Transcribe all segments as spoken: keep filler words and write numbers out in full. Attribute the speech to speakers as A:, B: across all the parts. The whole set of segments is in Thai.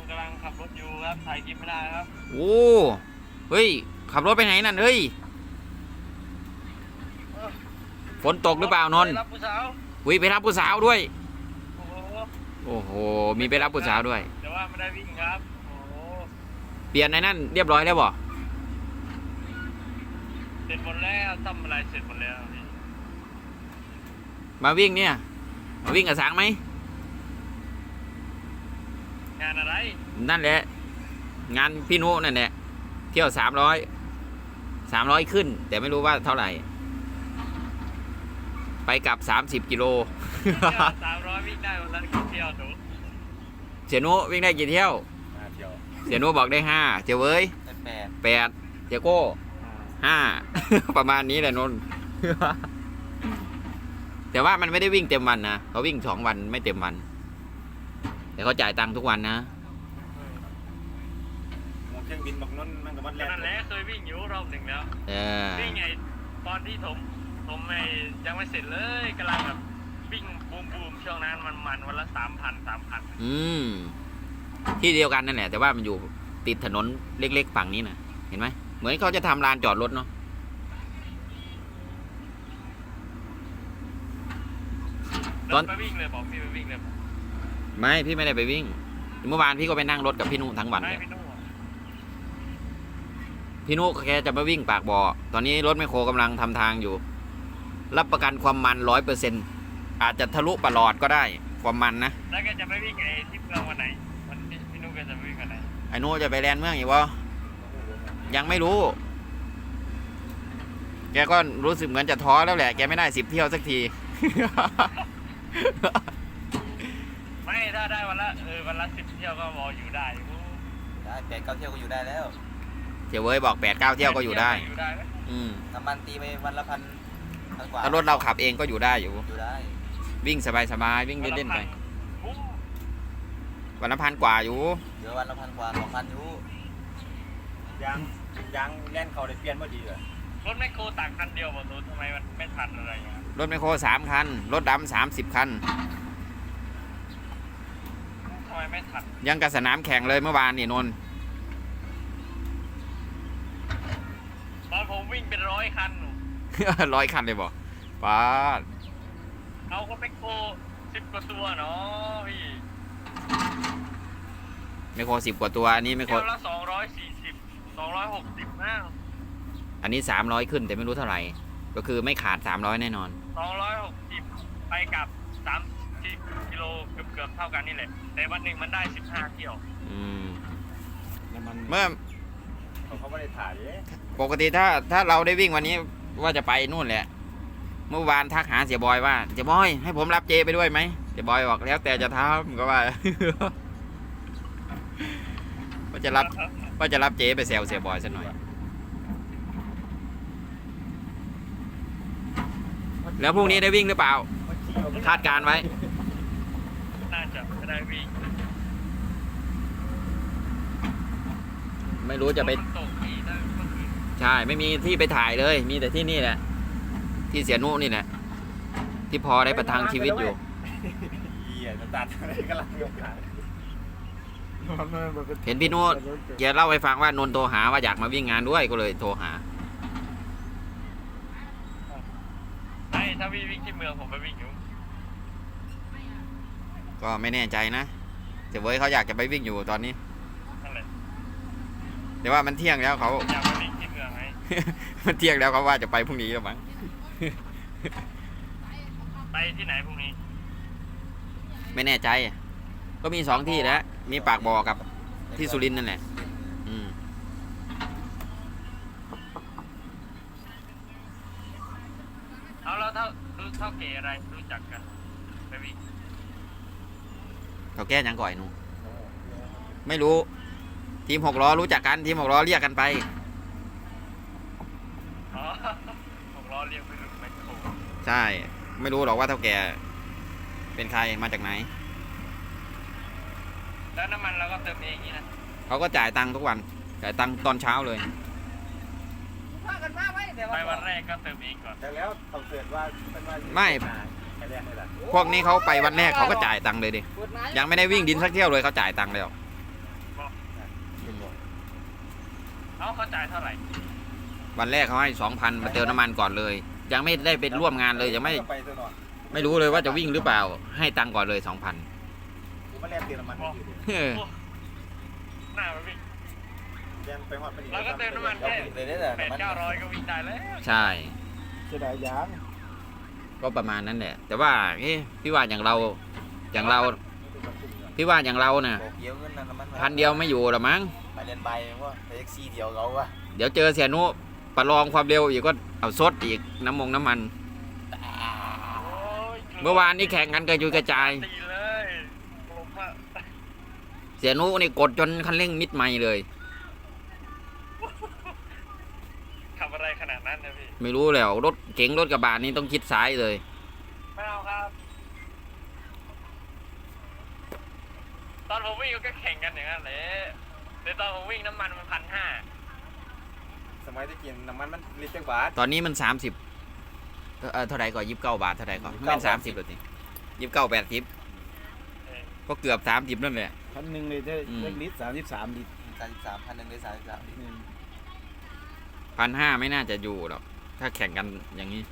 A: กำลังขับรถอยู่ครับถ่ายคลิปไม่ได้ครับ
B: โอ้เฮ้ยขับรถไปไหนนั่นเฮ้ยฝนตกหรือเปล่านนท์
A: ไปรับผู้สาว
B: วิไปรับผู้สาวด้วย
A: โอ้โห
B: โอ้โหมีไปรับผู้สาวด้วย
A: แต่ว่าไม่ได้วิ่งครับโอ้โห
B: เปลี่ยนในนั่นเรียบร้อยแล้วบ่
A: เสร็จหมดแล้วทำอะไรเสร็จหมดแล้วพี่
B: มาวิ่งเนี่ยมาวิ่งกับสางไหม
A: งานอะไร
B: นั่นแหละงานพี่นุนั่นแหละเที่ยวสามร้อยสามร้อยขึ้นแต่ไม่รู้ว่าเท่าไหร่ไปกลับสามสิบกิโล
A: สามร้อยวิ่งได้วันละกี่เที่ยวหนู
B: เสียนุวิ่งได้กี่เที่ยว
A: ห้าเที่ยว
B: เสียนุบอกได้ห้าเจ้าเว้ย
A: แปด
B: แปดเจ้าโก้ห้าประมาณนี้แหละนนท์แต่ว่ามันไม่ได้วิ่งเต็มวันนะเขาวิ่งสองวันไม่เต็มวันแต่เขาจ่ายตังค์ทุกวันนะ
A: เครื่องบินบักนนท์มันกับมันแรกนั่นแหละเคยวิ่งอยู่รอบหนึ่งแล้ววิ่งไงตอนที่ผมผมไม่ยังไม่เสร็จเลยกำลังแบบวิ่งบูมบูมช่วงนั้นมันมันวันละสามพันสามพัน
B: อืมที่เดียวกันนั่นแหละแต่ว่ามันอยู่ติดถนนเล็กๆฝั่งนี้นะเห็นไหมเหมือนเขาจะทำลานจอดรถเนาะ
A: ตอนไปวิ่งเลยบอกพี่ไปวิ่งเลย
B: ไม่พี่ไม่ได้ไปวิ่งเมื่อวานพี่ก็ไปนั่งรถกับพี่นุทั้งวันเลยพี่นุแกจะมาวิ่งปากบ่อตอนนี้รถแมคโครกำลังทำทางอยู่รับประกันความมันร้อยเปอร์เซ็นต์อาจจะทะลุปลอดก็ได้ความมันนะ
A: แล้วแกจะไปวิ่งไอ้ที่เมืองวันไหนวันพี่นุแกจะไปวิ่งวันไหน
B: ไอ้นุจะไปแลนด์เมืองอีกวะยังไม่รู้แกก็รู้สึกเหมือนจะท้อแล้วแหละแกไม่ได้สิบเที่ยวสักที
A: ไม่ถ้าได้วันละเออวันละสิบเที่ยวก็พออยู่ได้
C: ได้แปดเก้าเที่ยวก็อยู่ได้แล้ว
B: เจ้าเว้ยบอกแปดเก้าเที่ยวก็อยู่ได้อืม
C: น้ำมันตีไปวันละพันพันกว่า
B: ถ้ารถเราขับเองก็อยู่ได้อยู่
C: อยู่ได้
B: วิ่งสบายๆวิ่งเล่นๆไปวันละพันกว่าอยู่
C: เดี๋ยววันละพันกว่าสองพันอยู่
A: ยางยางแล่นเขาได้เปลี่ยนพอดีเลยรถแมคโครต่างคันเดียวหมดเลยทำไมมันไม่ทันอะไรเงี้ย
B: รถแมคโครสามคันรถดำสามสิบคัน
A: ทำไมไม่ทัน
B: ยังกับสนามแข่งเลยเมื่อวานนี่นนท์
A: ตอนผมวิ่งเป็นร้อยคันหนู
B: ร้อยคันเลยบอกป้า
A: เอาก็แมคโครสิบกว่าตัวเนาะพี่
B: แมคโครสิบกว่าตัวอันนี้แมคโคร
A: ละสองร้อยสี่สิบสองร้อยหกสิบนะ
B: อันนี้สามร้อยขึ้นแต่ไม่รู้เท่าไหร่ก็คือไม่ขาดสามร้อยแน่นอน
A: สองร้อยหกสิบไปกับสามสิบกิโลเกือบเกือบเท่ากันนี่แหละแต่วันหนึ่งมันได้สิบห้าเที่ยว
B: อืมเมื่อ
A: เขาไม่ได้ถ่าย
B: ปกติถ้าถ้าเราได้วิ่งวันนี้ว่าจะไปนู่นแหละเมื่อวานทักหาเสียบอยว่าเสียบอยให้ผมรับเจไปด้วยไหมเสียบอยบอกแล้วแต่จะทำก็ว่าว่าจะรับว่าจะรับเจไปแซวเสียบอยสักหน่อยแล้วพรุ่งนี้ได้วิ่งหรือเปล่าคาดการไว้
A: น่าจะไม่ได้วิ่ง
B: ไม่รู้จะไปใช่ไม่มีที่ไปถ่ายเลยมีแต่ที่นี่แหละที่เสียนุนี่แหละที่พอได้ประทังชีวิตอยู่เห็นพี่นุแกเล่าให้ฟังว่านนโทรหาว่าอยากมาวิ่งงานด้วยก็เลยโทรหา
A: ใช่ถ้าวิ่งวิ่งที่เมืองผมไปวิ่งอยู่
B: ก็ไม่แน่ใจนะแต่เว้ยเขาอยากจะไปวิ่งอยู่ตอนนี้แต่ว่ามันเที่ยงแล้วเขา
A: อยากไปวิ่งที่เมืองไหม
B: มันเที่ยงแล้วเขาว่าจะไปพรุ่งนี้แล้วมั้ง
A: ไปที่ไหนพรุ่งนี้
B: ไม่แน่ใจก็มีสองที่แล้วมีปากบ่อกับที่สุรินทร์นั่นแหละอืม
A: เอาแล้วเท่ารู้เท่าเก๋อะไรรู้จักกันไปวิ่ง
B: เขาแก้ยังก่อยหนูไม่รู้ทีมหกล้อรู้จักกันทีมหกล้อเรียกกันไป
A: อ๋อหกล้อเรียกไม่รู้ไม่ถูก
B: ใช่ไม่รู้หรอกว่าเท่าแก่เป็นใครมาจากไหน
A: แล้วน้ำมันเราก็เติมเองนี่นะ
B: เขาก็จ่ายตังค์ทุกวันจ่ายตังค์ตอนเช้าเลย
A: ไปวันแรกก็เติมเองก่อนแต่แล้วเขาเกิดว่า
B: ไม่พวกนี้เขาไปวันแรกเขาก็จ่ายตังค์เลยดิยังไม่ได้วิ่งดินสักเที่ยวเลยเขาจ่ายตังค์แล้ว
A: เอาเข้าใจายเท่าไหร่
B: วันแรกเขาให้สองพันมาเติมน้ำมันก่อนเลย ยังไม่ได้ไปร่วมงานเลยยังไม่
C: ไปเถอะหน่อย
B: ไม่รู้เลยว่าจะวิ่งหรือเปล่า ให้ตังค์ก่อนเลยสองพัน
C: ผมมาแลกเติมน้ำมันอยู่ดิ
A: หน้าไปวิ่ง
C: แยังไปฮอดไปนี่
A: เราก็เติมน้ำมันแค่
C: เลยได้แต่
A: แปด
C: น้ำมัน
A: เก้าร้อยก็วิ่งได้แล้ว
B: ใช่
C: เสียดายยาง
B: ก็ประมาณนั้นแหละ แต่ว่าเอ๊ะพี่ว่าอย่างเราอย่างเราพี่ว่าอย่างเราน่ะ
C: บอกเยอะเงินนะน้ำมัน
B: พันเดียวไม่อยู่หรอมั้ง
C: ไปเรียนใบว่าไปแท็กซี่เดียวเขาวะ
B: เดี๋ยวเจอเสียนุประลองความเร็วอีกก็เอาซดอีกน้ำมงน้ำมัน
A: โอ้ย
B: เมื่อวานนี้แข่งกันกระจุยกระจาย
A: ตีเลยผมอะ
B: เสียนุนี่กดจนคันเร่งมิดไม่เลย
A: ทำอะไรขนาดนั้นนะพี่
B: ไม่รู้แล้วรถเก๋งรถกระบะนี่ต้องคิดซ้ายเลย
A: ไม่เอาครับ ตอนผมวิ่งก็แข่งกันอย่างนั้นแหละแต่ตอนผมวิ่งน้ำมันมันพันห้า
C: สมัยที่กินน้ำมันมันลิตรจักบาท
B: ตอนนี้มันสามสิบเออเท่าไหร่ก่อนยี่สิบเก้าบาทเท่าไหร่ก่อน
C: ยี่สิบ
B: ไม่
C: เก้า
B: เป็นสามสิบเลยสิยี่สิบเก้าแปดสิบก็เกือบสามสิบนั่นแหละ
D: พันหนึ่งเลยได้
B: อืม
D: ได้ลิตรสามสิบสามลิตร
C: สามสิบสามพันหนึ่งเลยสามสิบสามลิตร
B: พันห้าไม่น่าจะอยู่หรอกถ้าแข่งกันอย่างนี้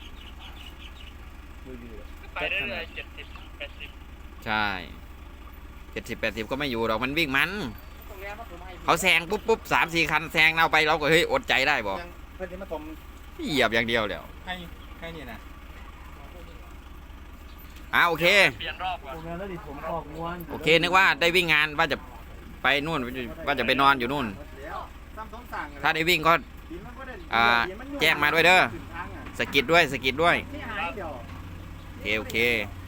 D: ดูดีเลย
A: ไปเรื่อยๆเจ็ดสิบแปดสิบ
B: ใช่เจ็ดสิบแปดสิบก็ไม่อยู่หรอกมันวิ่งมัน เขาแซงปุ๊บปุ๊บสามสี่คันแซงเราไปเราก็เฮ้ยอดใจได้บอก
C: ยังเพื่อนที่มาถม
B: เหยียบอย่างเดียวแล้ว
C: ให้ให้นี่นะ
B: อ่าโอเค
A: เปลี่ยนรอบก่อน
D: โรงงานแล้วดิผมออกม้วน
B: โอเคนึกว่าได้วิ่งงานว่าจะไปนู่นว่าจะไปนอนอยู่นู่น ถ้าได้วิ่งก็ อ่าแจ้งมาด้วยเด้อ สะกิดด้วยสะกิดด้วย โอเคโอเค